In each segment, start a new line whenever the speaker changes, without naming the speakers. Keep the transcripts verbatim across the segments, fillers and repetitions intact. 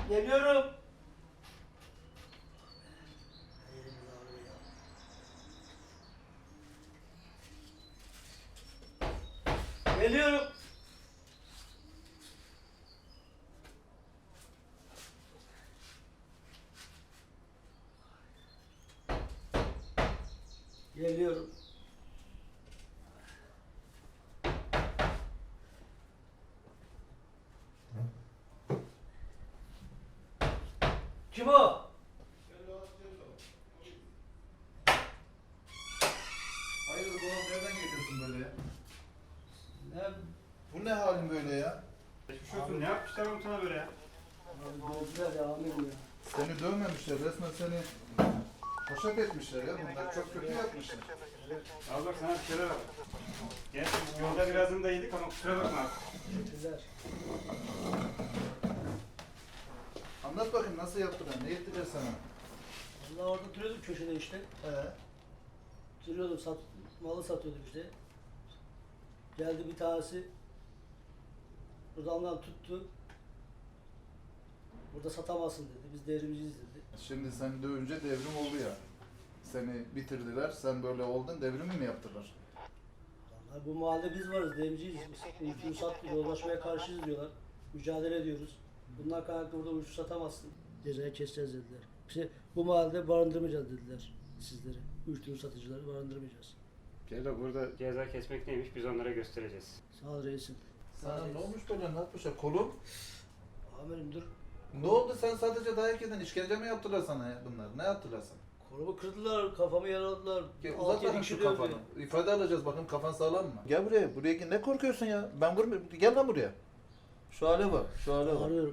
Geliyorum. Geliyorum. Geliyorum. Kim o?
Hayırdır oğlum, nereden geliyorsun böyle ya?
Ne?
Bu ne halin böyle ya?
Geçmiş olsun. Ne yapmışlar oğlum sana böyle ya?
Gözler ya amirim ya.
Seni dövmemişler, resmen seni poşet etmişler ya. Bunlar çok kötü yapmışlar.
Al bak sana bir şeyler al. Gel yolda birazını da yedik ama kusura bakma.
Teşekkürler.
Anlat bakayım, nasıl yaptılar, ne ettiler sana?
Vallahi orada duruyordum köşede işte.
Ee,
Duruyordum, sat, malı satıyordum işte. Geldi bir tanesi. Buradan tuttu. Burada satamazsın dedi. Biz devrimciyiz dedi.
şimdi seni dövünce devrim oldu ya. Seni bitirdiler, sen böyle oldun, devrimi mi yaptılar?
Vallahi bu mahallede biz varız, devrimciyiz biz. Uyuşturucu satmıyor, yozlaşmaya karşıyız diyorlar. Mücadele ediyoruz. Bundan kaynaklı burada uyuşturucu satamazsın. Cezayı keseceğiz dediler. İşte bu mahallede barındırmayacağız dediler sizleri. Uyuşturucu satıcıları barındırmayacağız.
Ceyda burada ceza kesmek neymiş biz onlara göstereceğiz.
Sağ ol reisim.
Sana ne olmuş böyle, ne yapmışlar? Kolun?
Amirim dur.
Ne oldu, sen sadece dayak yedin, işkence mi yaptılar sana ya bunlar? Ne yaptılar sana?
Kolumu kırdılar, kafamı yaraladılar.
Gel,
Altı
uzat
yedi
bakayım
kişi
şu
dövdü.
kafanı. İfade alacağız, bakın kafan sağlam mı? Gel buraya, buraya gel. Ne korkuyorsun ya? Ben vurmuyorum. Gel lan buraya. Şu hale bak, şu hale bak.
Ağrıyorum.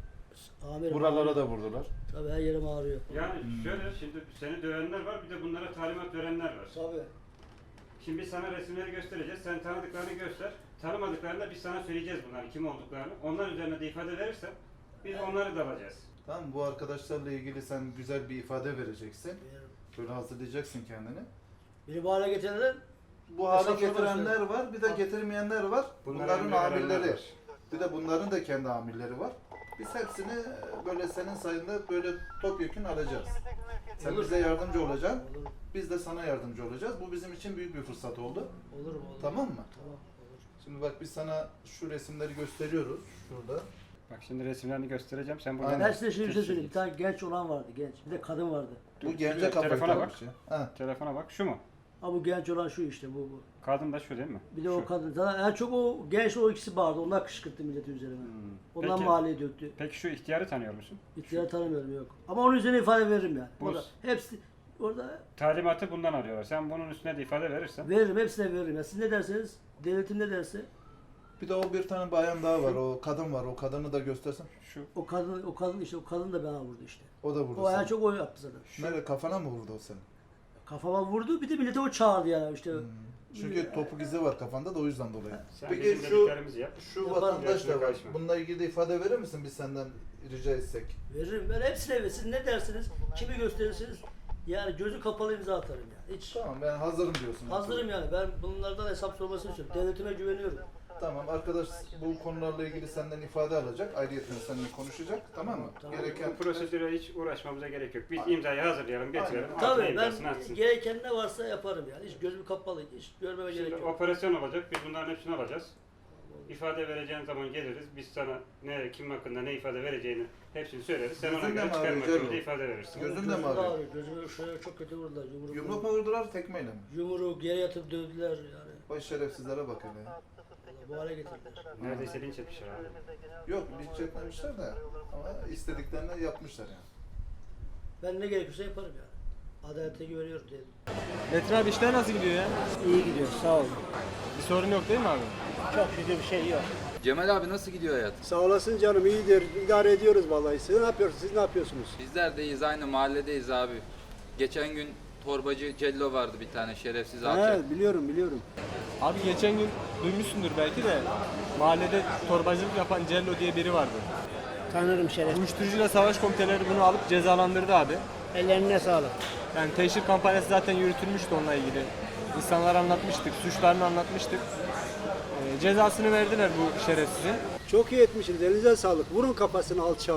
Amirim.
Buralara da vurdular.
Tabii her yerim ağrıyor.
Yani şöyle şimdi seni dövenler var bir de bunlara talimat verenler var.
Tabii.
Şimdi biz sana resimleri göstereceğiz. Sen tanıdıklarını göster. Tanımadıklarını da biz sana söyleyeceğiz bunların kim olduklarını. Onlar üzerine de ifade verirsen biz onları da alacağız.
Tamam, bu arkadaşlarla ilgili sen güzel bir ifade vereceksin.
Veririm.
Böyle hazırlayacaksın kendini.
Beni bu hale getirenler
Bu hale
Hesap
getirenler
sorması.
var, bir de getirmeyenler var.
Bunlara
Bunların
emir verenler
amirleri.
var.
Bir de bunların da kendi amirleri var. Biz hepsini böyle senin sayında böyle topyekun alacağız. Sen
Olur.
bize yardımcı olacaksın.
Olur,
Biz de sana yardımcı olacağız. Bu bizim için büyük bir fırsat oldu.
olur, olur.
Tamam mı?
Tamam, olur.
Şimdi bak, biz sana şu resimleri gösteriyoruz. Şurada.
Bak şimdi resimlerini göstereceğim. Sen buradan
Aynen.
Ben size şöyle bir şey söyleyeyim. Bir tane genç olan vardı, genç. Bir de kadın vardı.
Bu
Dur,
gence
şuraya,
kafayı
telefona
takmış ya. Ha.
Telefona bak. Şu mu?
Ha bu genç olan şu işte, bu bu.
Kadın da şu değil mi?
Bir de
Şu.
o kadın. Zaten en çok o genç o ikisi bağırdı. Onlar kışkırttı milleti üzerime.
Hmm.
Ondan
Peki-
mahalleye döktü.
Peki şu ihtiyarı tanıyor musun?
İhtiyar tanımıyorum, yok. Ama onun üzerine ifade veririm yani.
Bu-
Orada hepsi orada
Talimatı bundan alıyorlar. Sen bunun üstüne de ifade verirsen.
veririm, hepsine veririm. Ya siz ne derseniz, devletim ne derse
Bir de o bir tane bayan daha var. O kadın var. O kadını da göstersen.
Şu.
o kadın o kadın işte o kadın da bana vurdu işte.
O da vurdu
O en
seni.
çok o yaptı zaten.
Nerede, kafana mı vurdu o senin?
Kafama vurdu, bir de millete o çağırdı yani işte.
Hmm. Çünkü topuk izi var kafanda da o yüzden dolayı.
Sen
Peki
bizim
şu
dediklerimizi yap.
şu
Yaparım,
vatandaş da var.
karışma.
Bununla ilgili de ifade verir misin biz senden rica etsek?
Veririm ben hepsine veririm. Siz ne dersiniz, kimi gösterirseniz yani gözü kapalı imza atarım yani. Hiç
Tamam, ben hazırım diyorsun.
hazırım yani. Ben bunlardan hesap sormasını istiyorum. Devletime güveniyorum.
Tamam, arkadaş bu konularla ilgili senden ifade alacak. Ayrıyeten seninle konuşacak. Tamam mı?
Tamam.
Gereken
Bu prosedüre hiç uğraşmamıza gerek yok. Biz imzayı hazırlayalım, getirelim.
Aynen.
altına
Tabii
imzasını
ben
atsın.
gereken ne varsa yaparım yani. Hiç gözüm kapalı, hiç görmeme
Şimdi
gerek yok.
operasyon olacak. Biz bunların hepsini alacağız. İfade vereceğin zaman geliriz. Biz sana ne kim hakkında ne ifade vereceğini hepsini söyleriz. Sen ona
Gözün de
göre
mi
çıkar
ağrıyor
mahkemede
Cello?
ifade verirsin.
Gözün de
Gözüm
mi ağrıyor?
Gözümü şöyle çok kötü vurdular. Yumruk,
yumruk mu vurdular, tekmeyle mi?
Yumruğu geri yatıp dövdüler yani.
Vay şerefsizlere bak hele.
Vallahi bu hale getirdiler.
Neredeyse linç etmişler abi.
Yok, linç etmemişler de ama istediklerini yapmışlar yani.
Ben ne gerekiyorsa yaparım yani. Adalete güveniyorum diyelim.
Metin abi işler nasıl gidiyor ya?
İyi gidiyor, sağ olun.
Bir sorun yok değil mi abi?
Çok şükür bir şey yok.
Cemal abi nasıl gidiyor hayat?
Sağ olasın canım, iyidir. İdare ediyoruz vallahi. Siz ne yapıyorsunuz? Siz ne yapıyorsunuz?
Bizler deyiz, aynı mahalledeyiz abi. Geçen gün torbacı Cello vardı bir tane şerefsiz alçak.
He, biliyorum biliyorum.
Abi geçen gün duymuşsundur belki de mahallede torbacılık yapan Cello diye biri vardı.
Tanırım Şeref.
Uyuşturucuyla savaş komiteleri bunu alıp cezalandırdı abi.
Ellerine sağlık.
Yani teşhir kampanyası zaten yürütülmüştü onunla ilgili. İnsanlara anlatmıştık, suçlarını anlatmıştık. Ee, cezasını verdiler bu şerefsizin.
Çok iyi etmişsiniz. Elinize sağlık. Vurun kafasını alçağın.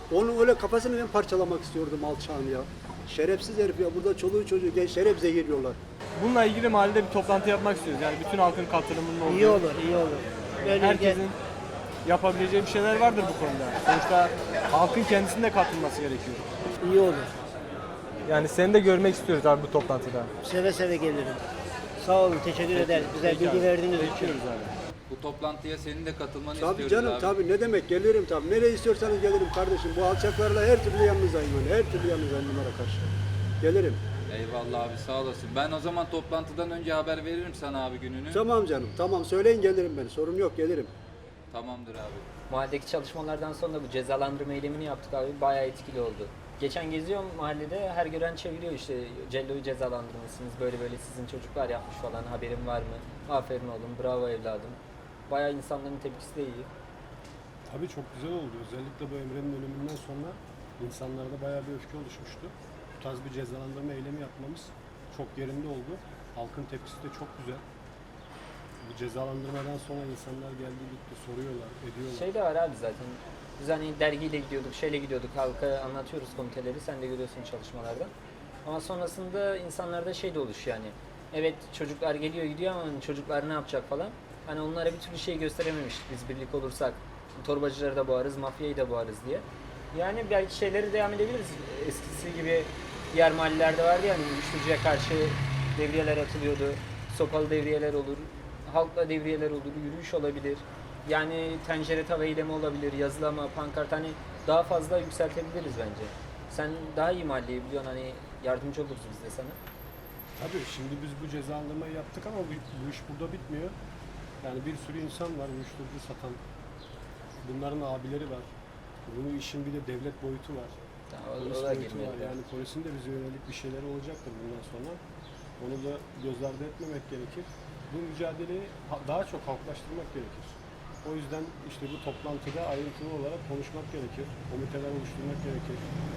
Onun öyle kafasını ben parçalamak istiyordum alçağın ya. Şerefsiz herif ya. Burada çoluğu çocuğu gençler hep zehirliyorlar.
Bununla ilgili mahallede bir toplantı yapmak istiyoruz. Yani bütün halkın katılımının olduğu.
İyi olur, iyi olur. Böyle
Herkesin yapabileceği bir şeyler vardır bu konuda. Sonuçta halkın kendisinin de katılması gerekiyor.
iyi olur.
Yani seni de görmek istiyoruz abi bu toplantıda.
Seve seve gelirim. Sağ olun, teşekkür ederiz. Güzel
Peki
bilgi
abi.
verdiğiniz için.
Bekliyoruz abi.
Bu toplantıya senin de katılmanı
Tabii
istiyoruz
canım
abi.
tabii ne demek gelirim tabii. Nereye istiyorsanız gelirim kardeşim. Bu alçaklarla her türlü yanınızdayım ben. Her türlü yanınızdayım bunlara karşı. Gelirim.
Eyvallah abi sağ olasın. Ben o zaman toplantıdan önce haber veririm sana abi gününü.
Tamam canım tamam söyleyin gelirim ben. Sorun yok gelirim.
Tamamdır abi.
Mahalledeki çalışmalardan sonra bu cezalandırma eylemini yaptık abi. Bayağı etkili oldu. Geçen geziyorum mahallede, her gören çeviriyor işte Cello'yu cezalandırmışsınız, böyle böyle sizin çocuklar yapmış falan, haberin var mı? Aferin oğlum, bravo evladım. Bayağı insanların tepkisi de iyi.
Tabii çok güzel oldu. Özellikle bu Emre'nin ölümünden sonra insanlarda bayağı bir öfke oluşmuştu. Bu tarz bir cezalandırma eylemi yapmamız çok yerinde oldu. Halkın tepkisi de çok güzel. Bu cezalandırmadan sonra insanlar geldi gitti soruyorlar, ediyorlar.
Şey de var abi zaten. Biz hani dergiyle gidiyorduk, şeyle gidiyorduk, halka anlatıyoruz komiteleri, sen de görüyorsun çalışmalarda. Ama sonrasında insanlarda şey de oluşuyor yani. Evet çocuklar geliyor gidiyor ama hani çocuklar ne yapacak falan. Hani onlara bir türlü şey gösterememiştik biz birlik olursak. Torbacıları da boğarız, mafyayı da boğarız diye. Yani belki şeyleri devam edebiliriz. Eskisi gibi diğer mahallelerde vardı ya hani uyuşturucuya karşı devriyeler atılıyordu. Sopalı devriyeler olur, halkla devriyeler olur, yürüyüş olabilir. Yani tencere tava eylemi olabilir, yazılama, pankart hani daha fazla yükseltebiliriz bence. Sen daha iyi mahalleyi biliyorsun hani yardımcı oluruz biz de sana.
Tabii şimdi biz bu cezalandırmayı yaptık ama bu, bu iş burada bitmiyor. Yani bir sürü insan var uyuşturucu satan. Bunların abileri var. Bunun işin bir de devlet boyutu var.
Ya,
Polis
o da
boyutu
girmiyor.
var. Yani polisin de bize yönelik bir şeyleri olacaktır bundan sonra. Onu da göz ardı etmemek gerekir. Bu mücadeleyi ha- daha çok halklaştırmak gerekir. O yüzden işte bu toplantıda ayrıntılı olarak konuşmak gerekir. Komiteler oluşturmak gerekir.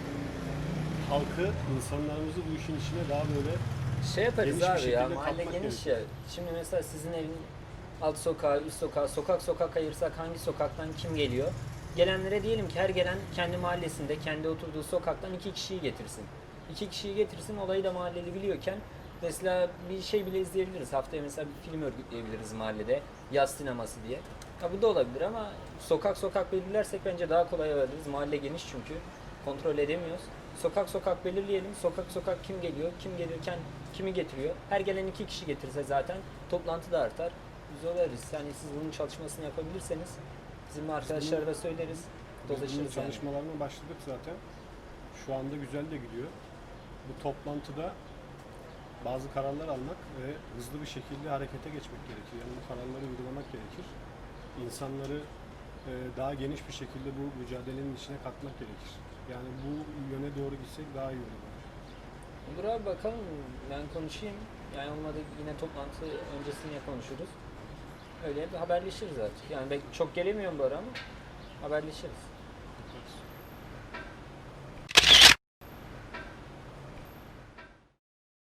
Halkı, insanlarımızı bu işin içine daha böyle
Şey yaparız
Geniş bir
abi ya,
şekilde
mahalle
katmak
geniş ya. Şimdi mesela sizin evin alt sokağı, üst sokağı, sokak sokak ayırsak hangi sokaktan kim geliyor? Gelenlere diyelim ki her gelen kendi mahallesinde, kendi oturduğu sokaktan iki kişiyi getirsin. İki kişiyi getirsin, olayı da mahalleli biliyorken mesela bir şey bile izleyebiliriz. Haftaya mesela bir film örgütleyebiliriz mahallede, yaz sineması diye. Ha, bu da olabilir ama sokak sokak belirlersek bence daha kolay alırız. Mahalle geniş çünkü, kontrol edemiyoruz. Sokak sokak belirleyelim. Sokak sokak kim geliyor, kim gelirken kimi getiriyor. Her gelen iki kişi getirse zaten toplantı da artar. Biz olarız. Yani siz bunun çalışmasını yapabilirseniz bizim arkadaşlara da söyleriz.
Biz bunun
Dolaşırız yani.
çalışmalarına başladık zaten. Şu anda güzel de gidiyor. Bu toplantıda bazı kararlar almak ve hızlı bir şekilde harekete geçmek gerekir. Yani bu kararları uygulamak gerekir. İnsanları e, daha geniş bir şekilde bu mücadelenin içine katmak gerekir. Yani bu yöne doğru gitsek daha iyi olur.
Olur abi bakalım. Ben konuşayım. Yani olmadı yine toplantı öncesinde konuşuruz. Öyle bir haberleşiriz artık. Yani ben çok gelemiyorum bu ara ama haberleşiriz.